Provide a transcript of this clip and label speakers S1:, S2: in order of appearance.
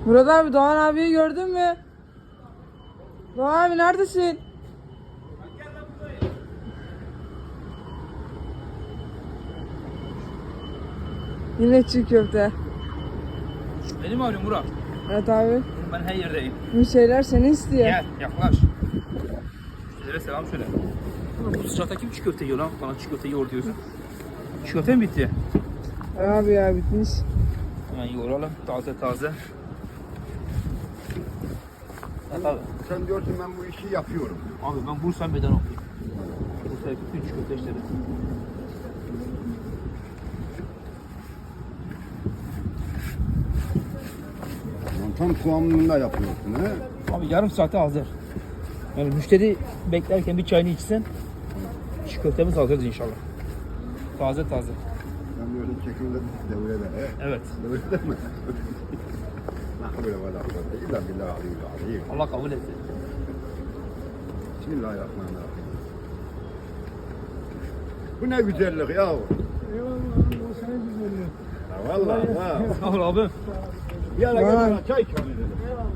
S1: Murat abi, Doğan abiyi gördün mü? Doğan abi neredesin? Yine çiğ köfte.
S2: Beni mi arıyorsun Murat?
S1: Evet abi.
S2: Ben her yerdeyim.
S1: Müşteriler seni istiyor.
S2: Gel yaklaş. Müşterilere selam söyle. Ulan bu sıcakta kim çiğ köfte yiyor lan? Bana çiğ köfte yiyor diyorsun. Çiğ köfte mi bitti?
S1: Abi ya bitmiş.
S2: Hemen yoğuralım. Taze taze. Evet abi.
S3: Sen diyorsun ben bu işi yapıyorum.
S2: Abi ben Bursa meydan okuyayım. Bursa'ya bütün çiğ köfte işleri.
S3: Lan tam kıvamında yapıyorsun he.
S2: Abi yarım saate hazır. Yani müşteri beklerken bir çayını içsin. Çiğ köftemiz hazırdır inşallah. Taze taze.
S3: Ben böyle çekimde devrede he.
S2: Evet.
S3: Devrede mi? La böyle valla illa billahi alayım.
S2: Allah kabul etsin.
S3: Bismillahirrahmanirrahim. Bu ne güzellik ya.
S4: Eyvallah, o senin güzelliğin.
S3: Vallahi ha.
S2: Sağ ol abi.
S3: Bir ara
S1: Vay.
S3: gel çay ikram edelim.
S4: Eyvallah.